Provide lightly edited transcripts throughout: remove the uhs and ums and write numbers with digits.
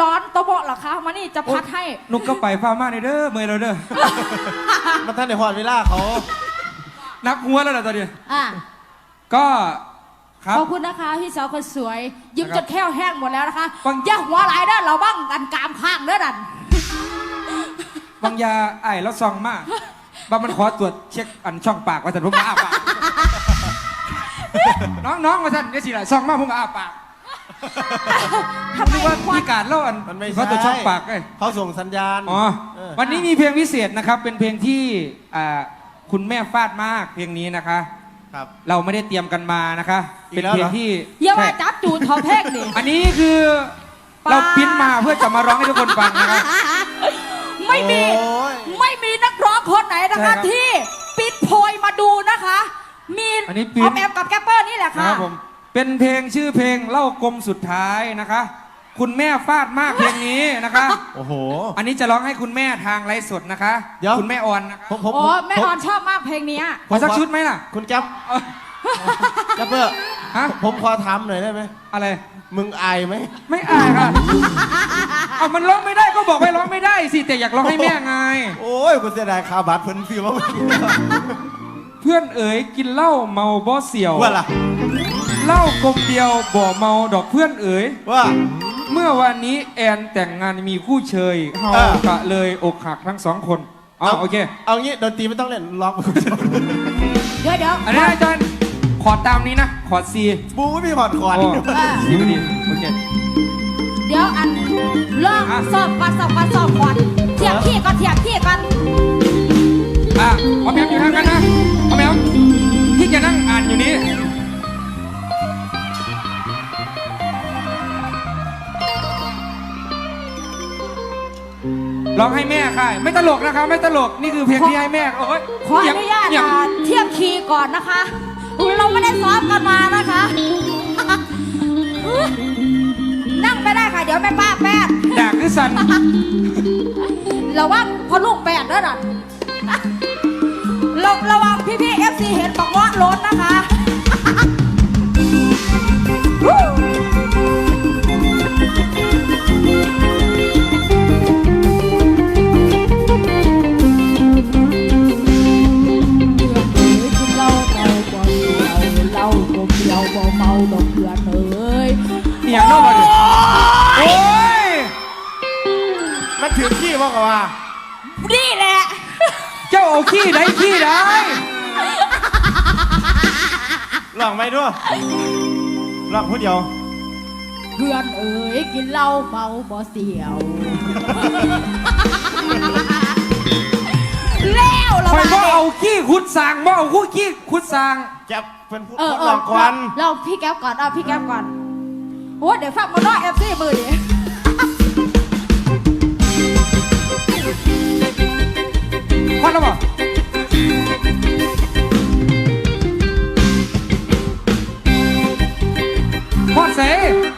ร้อนโตโบะเหรอคะมานี่จะพัดให้นุกก็ไปพามาในเด้อเมย์เราเด้อมันท่านในหอดเวลาเขานับหัวแล้วล่ะตอนนี้อ่ะก็ครับขอบคุณนะคะพี่สาวคนสวยยิ้มนะคจรับนแข้วแห้งหมดแล้วนะคะฟังอย่าหัวไหลายเด้อเราบ้างกันกามข้างเด้อดันบางยาไอ้แล้วซองมากบางมันขอตรวจเช็คอันช่องปากว่าสันผมก็อ้าปาก น้องว่าสันนี่สิล่ะซองมากผมก็อ้าปากทำไมนึกว่าควันพี่การเล่าอันมันไม่เขาตรวจช่องปากไงเขาส่งสัญญาณอ๋อเออวันนี้มีเพลงพิเศษนะครับ เป็นเพลงที่คุณแม่ฟาดมากเพลงนี้นะคะครับเราไม่ได้เตรียมกันมานะคะอีเป็กนแล้วเพลเหงรอที่อย่าว่าใช่จับจูดทอเพลงดิอันนี้คือเราพิมพ์มาเพื่อจะมาร้องให้ทุกคนฟังนะครับไม่มีโอ้ยไม่มีนักร้องคนไหนนะใช่ครัคะบที่ปิดโพยมาดูนะคะ มีอันนี้อปิ๊อน มแอมกับแกปเปอร์นี่แหละนะค่ะครับผมเป็นเพลงชื่อเพลงเล่ากลมสุดท้ายนะคะ คุณแม่ฟาดมากเพลงนี้นะคะโอ้โหอันนี้จะร้องให้คุณแม่ทางไลฟ์สดนะคะเดี๋ยวคุณแม่ออนนะคะผมโอ้แม่ออนชอบมากเพลงเนี้ยขอสักชุดไหมล่ะคุณแก๊ปเอ้ยแก๊ปเปอร์ฮะผมขอถามหน่อยได้ไหมอะไรมึงอายไหมไม่อายค่ะ เอามันร้องไม่ได้ก็บอกไปร้องไม่ได้สิแต่อยากร้องให้แม่ไงโอ้ยกูเสียดายคาบัตรเพิ่นฟิวมาเพื่อนเอ๋ยกินเหล้าเมาบ่เสี่ยวว่าล่ะเหล้ากลมเดียวบ่เมาดอกเพื่อนเอ๋ยว่าเมื่อวันนี้แอนแต่งงานมีคู่เชยเฮาเออกะเลยอกหักทั้งสองคนเอาโอเคเอางี้ดนตรีไม่ต้องเล่นร้องเดี๋ยวอันนี้อาจารย์ขอตามนี้นะ ขอซีบูไม่มีหอดคอนโอ้ซีพอดีโอเคเดี๋ยวอันเริ่มอ่ะสอบก่อนเทียบขี้ก่อนเทียบขี้ก่อนเอาแมวอยู่ทางกันนะเอาแมวที่จะนั่งอ่านอยู่นี้ร้องให้แม่ค่ะ ไม่ตลกนะคะไม่ตลกนี่คือเพลงที่ให้แม่โอ้ยขออนุญาตเสียงเทียบคีย์ก่อนนะคะ เราไม่ได้ซ้อมกันมานะคะ นั่งไม่ได้ค่ะ เดี๋ยวแม่ป้าแป๊ดด่าคือสันระวังพอลูกแปดด้วยนะระวังพี่ๆ FC เห็นบอกว่าล้นนะคะเนียงเข้ามาดิโอ้ยมันถือขี้ว่ากันว่านี่แหละเจ้าเอาขี้ได้ขี้ได้ลองไหมด้วยลองพูดเดียวเพื่อนเอ๋ยกินเหล้าเมาบ่เสียวแล้วเราคอยว่าเอาขี้ขุดสางว่าเอาคู่ขี้ขุดสางแก๊ปเพิ่นพูดเอลองก่อนเราพี่แก้วก่อนเอาพี่แก้วก่อนโอ้เดี๋ยวฟังมาน้อย FC มือดิพอแล้วบ่พอดเส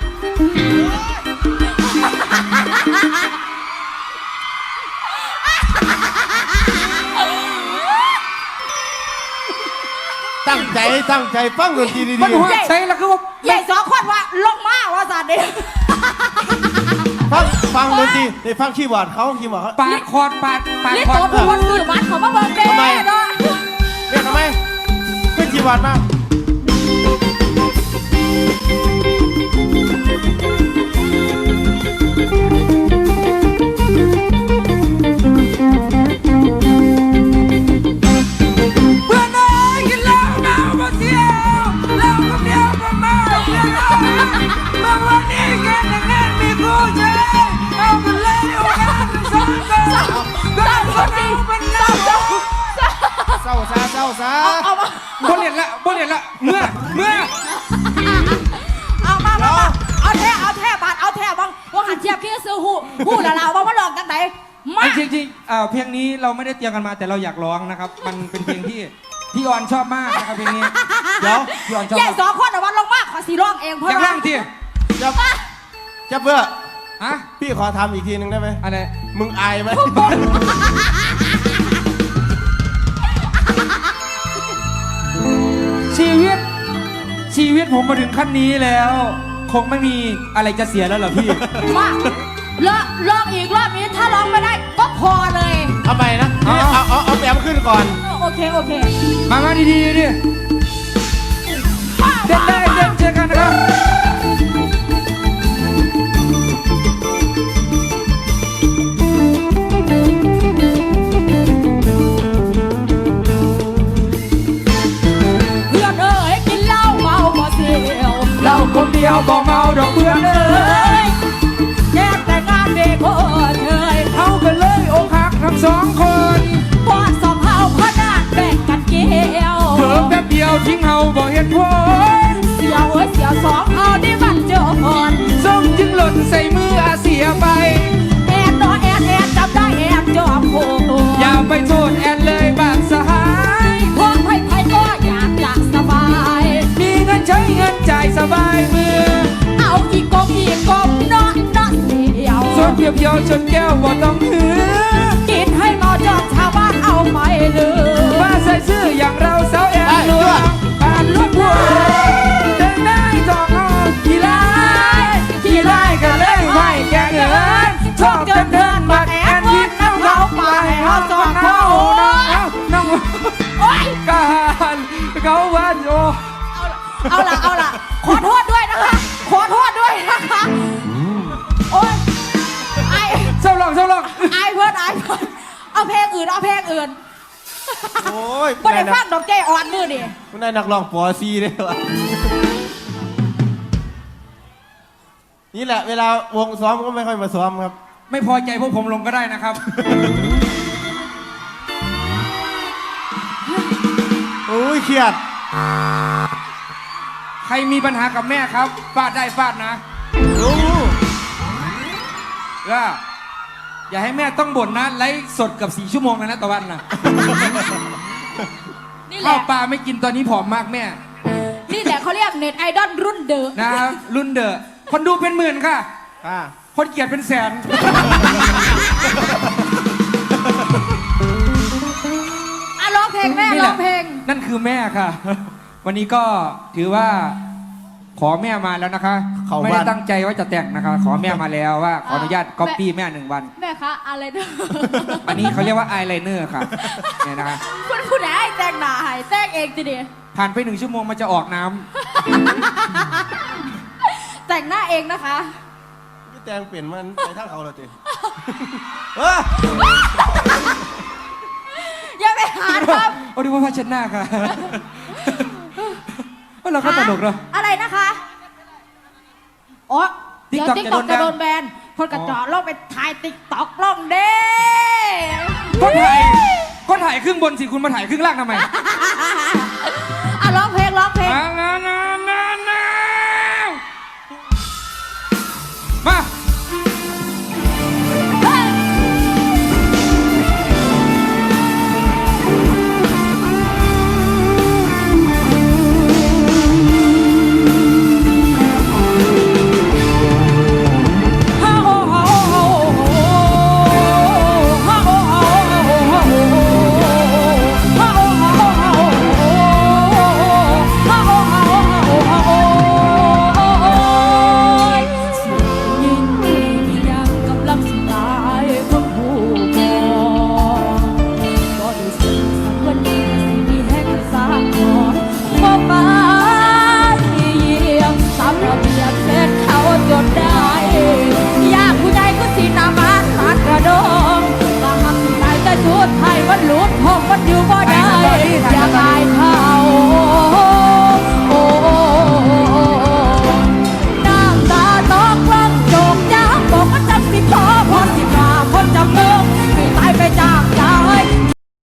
ตั้งใจฟังดนตรีดีมันหัวเสแล้วคือว่าใหญ่สองคนว่าลงมาว่าสัตว์ดิๆฟังดนตรีได้ฟังคีย์บอร์ดเขาคีย์บอร์ดเขาปาดคอร์ดปาดลิคอโตร์ดทุกคนสื่อบัตรเขามาเบิ่งเด้ทำไมเนาะเรียกทำไมเป็นคีย์บอร์ดมาเพื่อนเอ้ยกินเหล้าเมาบ่เที่ยวเหล้ากับเดียวบ่เมาเพื่อนเอ้ยบางวันนี้แกแต่งงานมีคู่เชยเอากันเลยเอากันสองคนก็คนเอาเป็นเหล้าเศร้าซาเอามาบ่เรียนละเมื่อเอามาเอาแท้บัตรเอาแท้บ้างว่าหันเทียบพี่ซื้อหูละเราบ้างว่าหลอกจังไหนมาจริงๆเพลงนี้เราไม่ได้เตรียมกันมาแต่เราอยากร้องนะครับ มันเป็นเพลงที่พี่ออนชอบมากนะครับเพลงนี้เดี๋ยวพี่ออนชอบใหญ่มากสองคนแต่ว่าลงมากขอสีร้องเองเพอยากราะร้ว่าองที่จะเพื่อฮะพี่ขอทำอีกทีหนึ่งได้ไหมอะไรมึงอายไหมชีวิตผมมาถึงขั้นนี้แล้ว คงไม่มีอะไรจะเสียแล้วเหรอพี่มาลองอีกรอบนี้ถ้าร้องไม่ได้ก็พอเลยเอาไปนะเอาแปมขึ้นก่อนโอเคโอเคมาดีดิเต้นได้เต้นเจอกันนะครับเพื่อนเอ้ยกินเหล้าเมาบ่เสียวเราคนเดียวบ่เมาดอกเพื่อนเอ้ยแยกแต่งงานเด็กโคตรเอ้ยเอากันเลยอกหักทั้งสองคนปอดสองเฮาพนาดแบ่งกันเกี่ยวเพิ่มแป๊บเดียวทิ้งเฮาบ่เห็นผลเสียวเอ้ยเสียวสองเฮาได้มันเจอพรส้มจึงหล่นใส่มืออาเสียไปแอนน้อแอนจำได้แอนจอมโผอย่าไปโทษแอนเลยบางสหายพวกไผ่ก็อยากจะสบายมีเงินใช้เงินจ่ายสบายมือเอาอีกกบเนาะเสียวส่วนเพียวๆชนแก้วบ่ต้องหือกินให้เมาจอกชาวบ้านเอาไม่ลืมว่าใส่ซื่ออย่างเราสาวแอนลวงผ่านลูกบัวเดินได้จอกเอากี่ไล่กันเลยไหวแกเงินชอบจนเดินบักแอนทิ้งน้ำเขาไปเอาจอกเอาน้องโอ๊ยการเขาวันโอเอาล่ะขอโทษด้วยนะคะ ขอโทษด้วยนะคะโอ๊ยไอเศร้าหลอกเพื่อนเอาเพลงอื่นโอ้ยบ่ได้ฟังดอกเจอ่อนมือดิคุณนายนักร้องปอซีเลยวะนี่แหละเวลาวงซ้อมก็ไม่ค่อยมาซ้อมครับไม่พอใจพวกผมลงก็ได้นะครับโอ้ยเครียดใครมีปัญหากับแม่ครับฟาดได้ฟาดนะโอ้ก็อย่าให้แม่ต้องบ่นนะไลฟ์สดกับ4 ชั่วโมงนะต่อวันนะนี่แหข้าวละปลาไม่กินตอนนี้ผอมมากแม่นี่แหละเขาเรียกเน็ตไอดอลรุ่นเดอะนะครับรุ่นเดอะคนดูเป็นหมื่นค่ะอ่าคนเกลียดเป็นแสนร้องเพลงแม่นี่ร้แหอละงเพลงนั่นคือแม่ค่ะ วันนี้ก็ถือว่าขอแม่มาแล้วนะคะ ไม่ได้ตั้งใจว่าจะแต่งนะคะ ขอแม่มาแล้วว่าขออนุญาตก๊อปปี้แม่1 วันแม่คะอะไรเด้ออันนี้เขาเรียกว่าอายไลเนอร์ค่ะเนี่ยนะคะคุณผู้ใดให้แต่งหน้าให้แต่งเองทีเดียวผ่านไป1 ชั่วโมงมันจะออกน้ำแต่งหน้าเองนะคะพี่แตงเปลี่ยนมันไปทางเขาแล้วจีเอออย่าไปหาทโอ้ดูว่าผ้าเช็ดหน้าค่ะเราำก็ตลกเนาะอะไรนะคะอ๋อเดี๋ยว TikTok ติ๊กต็อกจะจะโดโดนนแบแบนนคนกระจอกลองไปถ่ายติ๊กต็อกลองเด้ก็ถ่ายครึ่งบนสิคุณมาถ่ายครึ่งล่างทำไมร้องเพลงมาชุดไทยมันหลุดห้องมันอยู่บ่ได้อย่าอายเขา